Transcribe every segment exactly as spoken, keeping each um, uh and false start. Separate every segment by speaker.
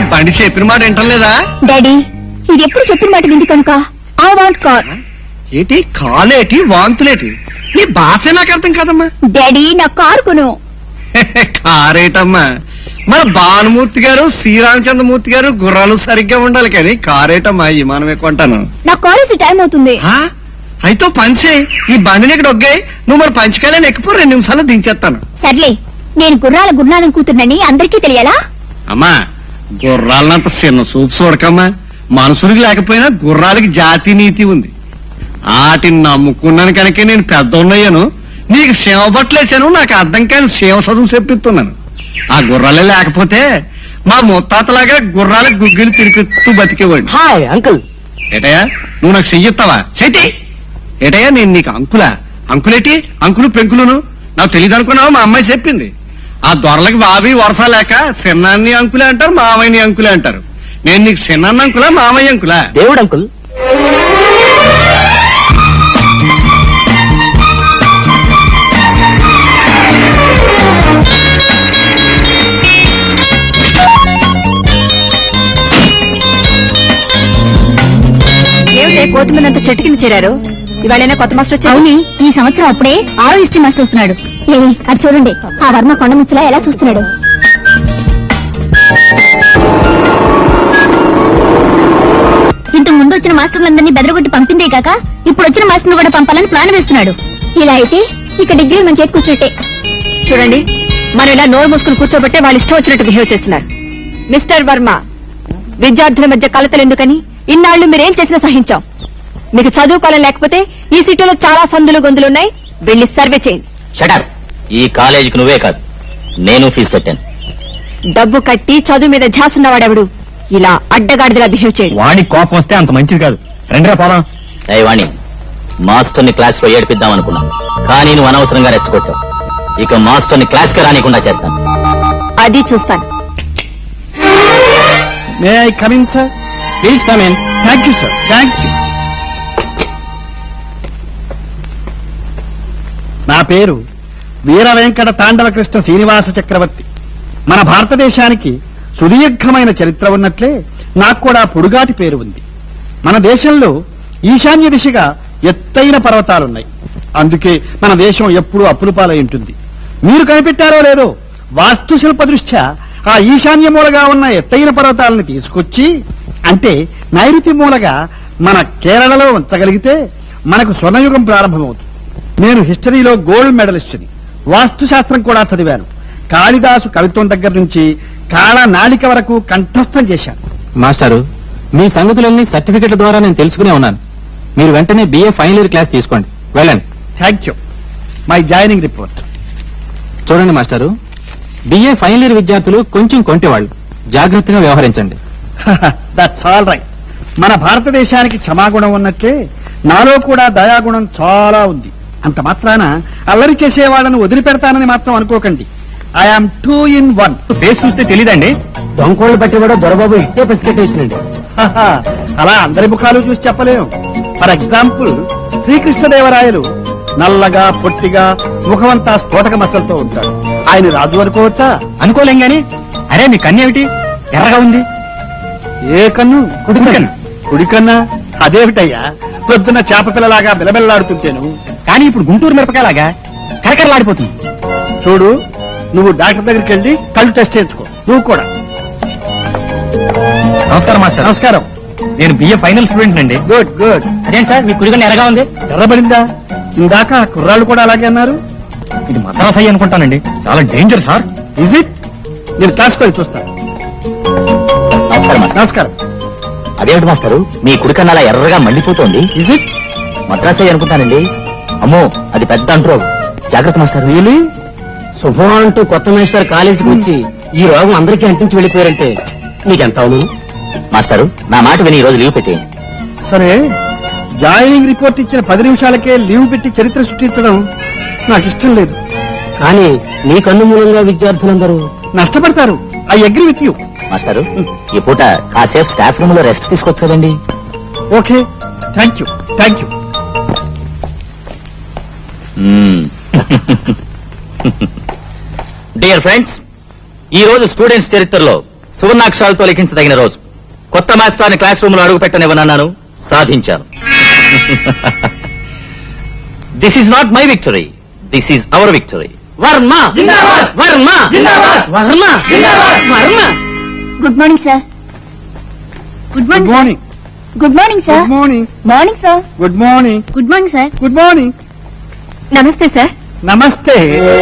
Speaker 1: బండి చెప్పిన మాట వింటలేదా?
Speaker 2: డాడీ ఇది ఎప్పుడు చెప్పిన మాట వింది కనుక ఐ వాంట్ కార్.
Speaker 1: ఏంటి కాలేటి వాంతులేటి? నీ భాష నాకు అర్థం కాదమ్మా.
Speaker 2: డాడీ నా కారు కొను.
Speaker 1: కారేటమ్మా, మన భానుమూర్తి గారు శ్రీరామచంద్రమూర్తి గారు గుర్రాలు సరిగ్గా ఉండాలి కానీ కారేటమ్మా విమానమే కొంటాను.
Speaker 2: నా కాలేజీ టైం అవుతుంది.
Speaker 1: అయితే పంచే ఈ బండిని ఇక్కడ ఒగ్గాయి, నువ్వు మరి పంచకాయలని ఎక్కిపో, రెండు నిమిషాలు దించేస్తాను.
Speaker 2: సర్లే, నేను గుర్రాల గురునాథం కూతుర్నని అందరికీ తెలియాలా?
Speaker 1: అమ్మా గుర్రాలనంత చిన్న సూపు చూడకమ్మా. మనుషులకి లేకపోయినా గుర్రాలకి జాతి నీతి ఉంది. వాటిని నమ్ముకున్నాను కనుక నేను పెద్ద ఉన్నాయను, నీకు సేవ బట్టలేసాను, నాకు అర్థం కాని సేవ చదువు చెప్పిస్తున్నాను. ఆ గుర్రాలే లేకపోతే మా ముత్తాతలాగా గుర్రాలకు గుగ్గిలు తిరిగిస్తూ బతికేవాడు.
Speaker 3: Hi uncle.
Speaker 1: ఏటయ్యా నువ్వు నాకు చెయ్యిస్తావా? చెయ్యి. ఏటయ్యా నేను నీకు అంకులా? అంకులేటి అంకులు పెంకులును నాకు తెలియదు అనుకున్నావు, మా అమ్మాయి చెప్పింది. ఆ దొరలకి బాబీ వరస లేక చిన్నాన్ని అంకులే అంటారు, మామయ్యని అంకులే అంటారు. నేను నీకు చిన్నాన్న అంకులా మామయ్య అంకులా?
Speaker 3: దేవుడు అంకుల్.
Speaker 2: కోతి మీద చెట్టు కింద చేరారు. ఇవాళైనా కొత్త మాస్టర్ వచ్చారు. అవుని, ఈ సంవత్సరం అప్పుడే ఆరో హిస్టరీ మాస్టర్ వస్తున్నాడు. ఏమి అది చూడండి, ఆ వర్మ కొండ ముచ్చలా ఎలా చూస్తున్నాడు. ఇంతకు ముందు వచ్చిన మాస్టర్లందరినీ బెదరగొట్టి పంపిందే కాక ఇప్పుడు వచ్చిన మాస్టర్ కూడా పంపాలని ప్లాన్ వేస్తున్నాడు. ఇలా అయితే ఇక డిగ్రీ మన చేతి కూర్చుంటే.
Speaker 4: చూడండి, మనం ఇలా నోరు మూసుకుని కూర్చోబట్టే వాళ్ళు ఇష్టం వచ్చినట్టు బిహేవ్ చేస్తున్నారు. మిస్టర్ వర్మ, విద్యార్థుల మధ్య కలతలు ఎందుకని ఇన్నాళ్లు మీరేం చేసినా సహించాం. మీకు చదువుకోవాలని లేకపోతే ఈ సిటీలో చాలా సందులు గొంతులున్నాయి, వెళ్ళి సర్వే చేయండి.
Speaker 3: షటప్. ఈ కాలేజీకి నువ్వే కాదు, నేను ఫీజు కట్టాను.
Speaker 4: డబ్బు కట్టి చదువు మీద ఝాసున్నవాడెవడు ఇలా అడ్డగాడిదలా బిహేవ్ చేయండి.
Speaker 1: వాణి కోపం వస్తే అంత మంచిది కాదు. రెండే పోదాం.
Speaker 3: వాణి, మాస్టర్ ని క్లాస్ లో ఏడిపిద్దాం అనుకున్నా, కానీ నువ్వు అనవసరంగా రెచ్చగొట్టావు. ఇక మాస్టర్ ని క్లాస్ కి రానికుండా చేస్తాను.
Speaker 4: అది చూస్తాను.
Speaker 1: May I come in sir? Please come in. Thank you sir, thank you. నా పేరు వీర వెంకట తాండవ కృష్ణ శ్రీనివాస చక్రవర్తి. మన భారతదేశానికి సుదీర్ఘమైన చరిత్ర ఉన్నట్లే నాకు కూడా పొడుగాటి పేరు ఉంది. మన దేశంలో ఈశాన్య దిశగా ఎత్తైన పర్వతాలున్నాయి. అందుకే మన దేశం ఎప్పుడూ అప్పుల పాలై ఉంటుంది. మీరు కనిపెట్టారో లేదో, వాస్తుశిల్ప దృష్ట్యా ఆ ఈశాన్య మూలగా ఉన్న ఎత్తైన పర్వతాలను తీసుకొచ్చి, అంటే నైరుతి మూలగా మన కేరళలో ఉంచగలిగితే మనకు స్వర్ణయుగం ప్రారంభమవుతుంది. నేను హిస్టరీలో గోల్డ్ మెడలిస్ట్ని, వాస్తుశాస్త్రం కూడా చదివాను. కాళిదాసు కవిత్వం దగ్గర నుంచి కాళ నాళిక వరకు కంఠస్థం చేశాను.
Speaker 5: మాస్టారు, మీ సంగతులన్నీ సర్టిఫికెట్ల ద్వారా నేను తెలుసుకునే ఉన్నాను. మీరు వెంటనే బిఏ ఫైనల్ ఇయర్ క్లాస్ తీసుకోండి, వెళ్ళండి.
Speaker 1: Thank you. My joining report
Speaker 5: చూడండి మాస్టారు, బిఏ ఫైనల్ ఇయర్ విద్యార్థులు కొంచెం కొంటేవాళ్ళు, జాగ్రత్తగా వ్యవహరించండి.
Speaker 1: That's all right. మన భారతదేశానికి క్షమాగుణం ఉన్నట్లే నాలో కూడా దయాగుణం చాలా ఉంది. అంత మాత్రాన అల్లరి చేసేవాళ్ళను వదిలిపెడతానని మాత్రం అనుకోకండి. I am two in one.
Speaker 5: Face చూస్తే తెలీదండి, దొంగోళ్ళు బట్టి కూడా దొరబాబు ఇట్టే పసికెట్ ఇచ్చినండి.
Speaker 1: అలా అందరి ముఖాలు చూసి చెప్పలేం. ఫర్ ఎగ్జాంపుల్, శ్రీకృష్ణదేవరాయలు నల్లగా పొట్టిగా ముఖమంతా స్ఫోటక మచ్చలతో ఉంటాడు. ఆయన రాజు అనుకోవచ్చా?
Speaker 5: అనుకోలేం గాని. అరే మీ కన్ను ఏమిటి ఎర్రగా ఉంది?
Speaker 1: ఏ కన్ను?
Speaker 5: కుడి కన్ను.
Speaker 1: కుడి కన్నా? అదేమిటయ్యా, పొద్దున్న చేప పిల్లలాగా బిలబిల్లాడుతుంటేను.
Speaker 5: కానీ ఇప్పుడు గుంటూరు మిరపకాయలాగా కరకరలాడిపోతుంది.
Speaker 1: చూడు, నువ్వు డాక్టర్ దగ్గరికి వెళ్ళి కళ్ళు టెస్ట్ చేయించుకో. నువ్వు కూడా.
Speaker 5: నమస్కారం మాస్టర్.
Speaker 1: నమస్కారం.
Speaker 5: నేను బిఏ ఫైనల్ స్టూడెంట్ అండి.
Speaker 1: Good good.
Speaker 5: అదేం సార్ మీ కుడిగా ఎర్రగా ఉంది?
Speaker 1: ఎర్రబడిందా? ఇందాక కుర్రాళ్ళు కూడా అలాగే అన్నారు.
Speaker 5: ఇది మద్రాసు అనుకుంటానండి, చాలా డేంజర్ సార్.
Speaker 1: Is it? నేను క్లాస్కి వెళ్ళి చూస్తాను.
Speaker 3: నమస్కారం మాస్టర్.
Speaker 1: నమస్కారం.
Speaker 3: అదేమిటి మాస్టారు, మీ కుడికన్నా అలా ఎర్రగా మండిపోతోంది?
Speaker 1: Is it?
Speaker 3: మద్రాసు అనుకుంటానండి. అమ్మో, అది పెద్ద అంటూ. జాగ్రత్త మాస్టర్.
Speaker 1: రియలీ?
Speaker 3: శుభం అంటూ కొత్త మేస్టర్ కాలేజీకి వచ్చి ఈ రోగం అందరికీ అంటించి వెళ్ళిపోయారంటే నీకెంత అవును? మాస్టారు, నా మాట విని ఈ రోజు లీవ్ పెట్టేయండి.
Speaker 1: సరే, జాయినింగ్ రిపోర్ట్ ఇచ్చిన పది నిమిషాలకే లీవ్ పెట్టి చరిత్ర సృష్టించడం నాకు ఇష్టం లేదు.
Speaker 3: కానీ నీ కన్ను మూలంగా విద్యార్థులందరూ
Speaker 1: నష్టపడతారు. I agree with you.
Speaker 3: మాస్టారు, ఈ పూట కాసేపు స్టాఫ్ రూమ్ లో రెస్ట్ తీసుకోవచ్చు కదండి.
Speaker 1: Okay, thank you thank you.
Speaker 3: Dear friends, ఈ రోజు స్టూడెంట్స్ చరిత్రలో సువర్ణాక్షరాలతో లిఖించదగిన రోజు. కొత్త మాస్టర్ని క్లాస్ రూమ్ లో అడుగు పెట్టనివ్వనన్నాను, సాధించాను. This is not my victory, this is our victory. Varma Varma Varma Varma.
Speaker 2: Good morning sir. Good
Speaker 1: good
Speaker 2: morning
Speaker 1: morning.
Speaker 2: Good morning sir.
Speaker 1: Good morning.
Speaker 2: Morning sir.
Speaker 1: Good morning.
Speaker 2: Good morning sir.
Speaker 1: Good morning.
Speaker 4: నమస్తే sir.
Speaker 1: నమస్తే.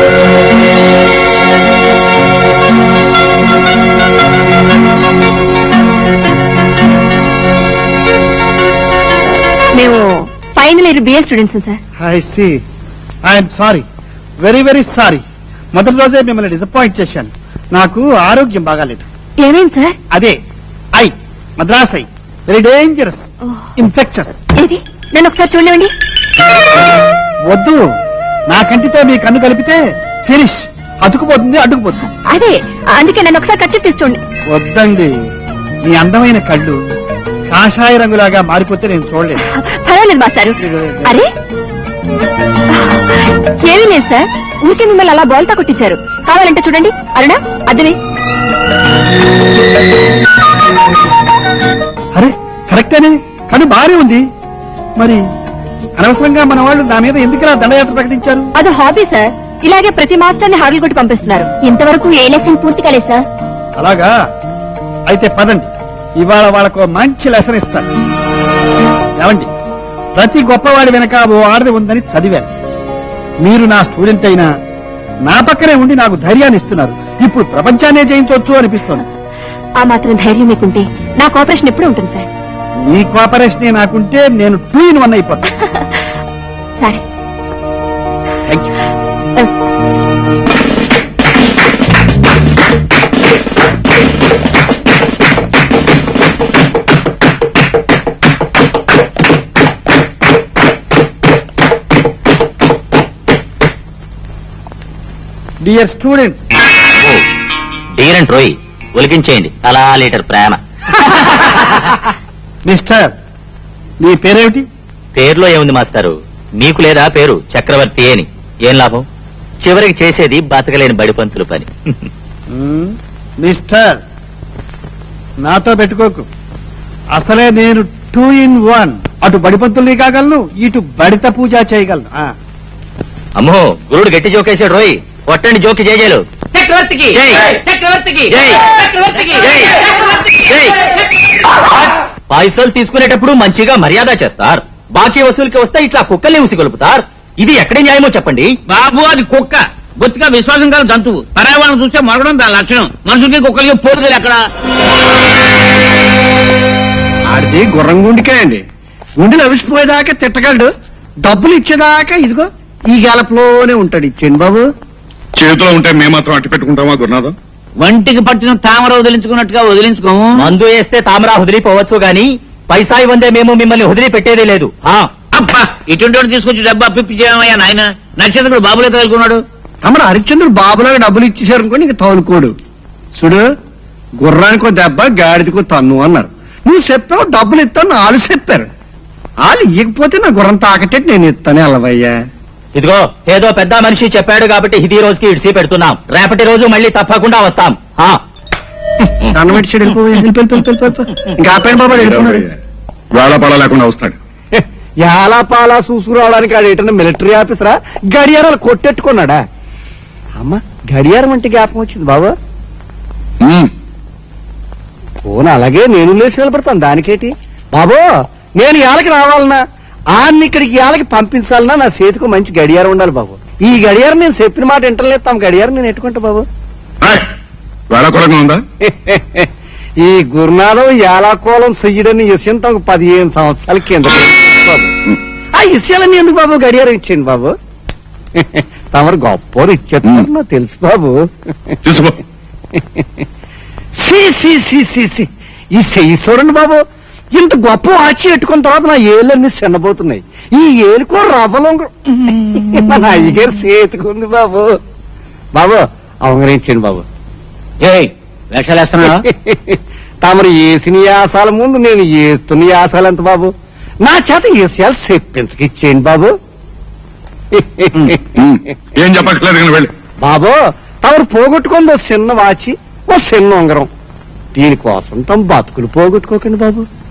Speaker 4: మేము final year BA students sir.
Speaker 1: I see. I'm sorry, very very sorry. మొదటి రోజే మిమ్మల్ని disappoint చేశాను. నాకు ఆరోగ్యం బాగాలేదు.
Speaker 4: ఏమేం సార్?
Speaker 1: అదే eye Madras eye very dangerous, infectious.
Speaker 4: ఏది నన్ను ఒకసారి చూడండి.
Speaker 1: వద్దు, నా కంటితో మీ కన్ను కలిపితే ఫినిష్, అతుకుపోతుంది, అడ్డుకుపోతుంది.
Speaker 4: అదే అందుకే నన్ను ఒకసారి ఖర్చు తీసి చూడండి.
Speaker 1: వద్దండి, మీ అందమైన కళ్ళు కాషాయ రంగులాగా మారిపోతే నేను చూడలేదు.
Speaker 4: పర్వాలేదు మాస్టారు. అరే ఏమీ లేదు సార్, ఊరికే మిమ్మల్ని అలా బోల్తా కొట్టించారు. కావాలంటే చూడండి. అరుణా అదివే.
Speaker 1: అరే కరెక్టేనే, కన్ను బాగానే ఉంది. మరి అనవసరంగా మన వాళ్ళు నా మీద ఎందుకు ఇలా దండయాత్ర ప్రకటించారు?
Speaker 4: అది హాబీ సార్. ఇలాగే ప్రతి మాస్టర్ని హాడలు కొట్టి పంపిస్తున్నారు.
Speaker 2: ఇంతవరకు ఏ లెసన్ పూర్తి కాలేదు సార్.
Speaker 1: అలాగా, అయితే పదండి, ఇవాళ వాళ్ళకు మంచి లెసన్ ఇస్తాను. ఏమండి, ప్రతి గొప్పవాడి వెనక ఓ ఆడది ఉందని చదివాను. మీరు నా స్టూడెంట్ అయినా నా పక్కనే ఉండి నాకు ధైర్యాన్ని ఇస్తున్నారు. ఇప్పుడు ప్రపంచాన్నే జయించవచ్చు అనిపిస్తోంది.
Speaker 4: ఆ మాత్రం ధైర్యం మీకుంటే నా కోఆపరేషన్ ఎప్పుడు ఉంటుంది సార్.
Speaker 1: మీ కోఆపరేషనే నాకుంటే నేను టూ ఇన్ వన్ అయిపోతాను.
Speaker 4: సరే.
Speaker 1: Thank you. Dear students.
Speaker 3: డీరెంట్ రోయ్, ఒలికించేయండి అలా లీటర్ ప్రేమ.
Speaker 1: మిస్టర్, మీ పేరేమిటి?
Speaker 3: పేరులో ఏముంది మాస్టారు, మీకు లేదా పేరు చక్రవర్తి అని? ఏం లాభం, చివరికి చేసేది బతకలేని బడిపంతుల పని.
Speaker 1: మ్మ్. మిస్టర్, నాతో పెట్టుకోకు. అసలే నేను టూ ఇన్ వన్. అటు బడిపంతుల్ని కాగలను, ఇటు బడిత పూజ చేయగలను. ఆ.
Speaker 3: అమ్మో, గురుడు గట్టి జోకేశాడు రోయ్. కొట్టండి జోకి జయజయలు.
Speaker 6: చక్రవర్తికి
Speaker 3: జై.
Speaker 6: చక్రవర్తికి
Speaker 3: జై.
Speaker 6: చక్రవర్తికి
Speaker 3: జై. జై. పైసలు తీసుకునేటప్పుడు మంచిగా మర్యాద చేస్తారు, బాకీ వసూలుకి వస్తే ఇట్లా కుక్కల్ని ఉసిగొలుపుతారు. ఇది ఎక్కడి న్యాయమో చెప్పండి.
Speaker 6: బాబు అది కుక్క, బొత్తిగా విశ్వాసం కాదు జంతువు. పర్యావరణం చూస్తే మరగడం దాని లక్షణం. మనుషులకి కుక్కలకి పోరుగలు ఎక్కడ?
Speaker 1: ఆడిది గుర్రం గుండికే అండి. గుండెలు అవిసిపోయేదాకా తిట్టగలడు, డబ్బులు ఇచ్చేదాకా ఇదిగో ఈ గెలపులోనే ఉంటాడు. ఇచ్చేయండి బాబు.
Speaker 7: చేతిలో ఉంటే మేము మాత్రం అట్టి పెట్టుకుంటామా గురునాథం?
Speaker 6: వంటికి పట్టిన తామర వదిలించుకున్నట్టుగా వదిలించుకోము.
Speaker 3: మందు వేస్తే తామరా వదిలిపోవచ్చు గాని పైసా ఇవ్వందే మేము మిమ్మల్ని వదిలి పెట్టేదే లేదు. ఆ,
Speaker 6: అబ్బా ఇటువంటి వాడు తీసుకొచ్చి డబ్బు అప్పిప్పి చేయమయ్యా నాయన. నక్షత్రుడు బాబులే తగులుకున్నాడు.
Speaker 1: తమరు హరిశ్చంద్రుడు బాబులాగా డబ్బులు ఇచ్చేశారు అనుకోండి, ఇంక తౌలుకోడు. చూడు, గుర్రానికో దెబ్బ గాడిదకో తన్ను అన్నారు. నువ్వు చెప్పావు డబ్బులు ఇస్తాను, వాళ్ళు చెప్పారు. వాళ్ళు ఇవ్వకపోతే నా గుర్రం తాకటేటి నేను ఇస్తానే అలవయ్యా.
Speaker 3: ఇదిగో ఏదో పెద్ద మనిషి చెప్పాడు కాబట్టి ఇది రోజుకి ఇడిసి పెడుతున్నాం. రేపటి రోజు మళ్ళీ తప్పకుండా వస్తాం. ఆ,
Speaker 1: దండం పెట్టి చెడు వెళ్ళిపో, వెళ్ళిపో, వెళ్ళిపో, వెళ్ళిపో. ఇంకా ఆపేయండి బాబా, వెళ్ళిపోన్నాడు.
Speaker 7: వేళపాళ లేకుండా వస్తాడు.
Speaker 1: యాలపాలా చూసుకురావడానికి ఆడు ఏంటన్నా మిలిటరీ ఆఫీసరా? గడియారాలు కొట్టెట్టుకున్నాడా? అమ్మా, గడియారం అంటే జ్ఞాపకం వచ్చింది బాబా.
Speaker 7: ఉమ్,
Speaker 1: ఫోన్ అలాగే నేను లేచి నిలబడతాను, దానికేటి బాబో. నేను ఇళ్ళకి రావాలన్నా, ఆన్ని ఇక్కడికి ఇళ్ళకి పంపించాలన్నా నా చేతికి మంచి గడియారం ఉండాలి బాబు. ఈ గడియారం నేను చెప్పిన మాట వింటలేదు, తమ గడియారం నేను ఎట్టుకుంటా బాబు.
Speaker 7: ఏయ్, వేళకోళంగా ఉందా?
Speaker 1: ఈ గురునాథం యాలాకోలం చెయ్యడని విషయం తమకు పదిహేను సంవత్సరాల కింద బాబు. ఆ విషయాలన్నీ ఎందుకు బాబు గడియారం ఇచ్చేయండి బాబు. తమరు గొప్ప ఇచ్చేస్తున్నారు నాకు తెలుసు బాబు.
Speaker 7: తీసుకో.
Speaker 1: సి సి సి సి సి ఈ చెయ్యి చూడండి బాబు, ఇంత గొప్ప వాచి పెట్టుకున్న తర్వాత నా ఏళ్ళన్నీ చిన్నబోతున్నాయి. ఈ ఏలుకో రవ్వలో మన అయ్యగారు చేతుకుంది బాబు. బాబు అవగరించండి బాబు.
Speaker 3: ఏయ్ వేషాలేస్తున్నా?
Speaker 1: తమరు వేసిన యాసాల ముందు నేను వేస్తున్న యాసాలు ఎంత బాబు? నా చేత ఏసియాలు చెప్పించకిచ్చేయండి బాబు.
Speaker 7: ఉమ్, ఏం చెప్పక్కర్లేదు కానీ వెళ్ళి.
Speaker 1: బాబు తమరు పోగొట్టుకుంది ఓ చిన్న వాచి, ఓ చిన్న ఉంగరం.
Speaker 8: దీనికోసం తమ బతుకులు పోగొట్టుకోకండి బాబు.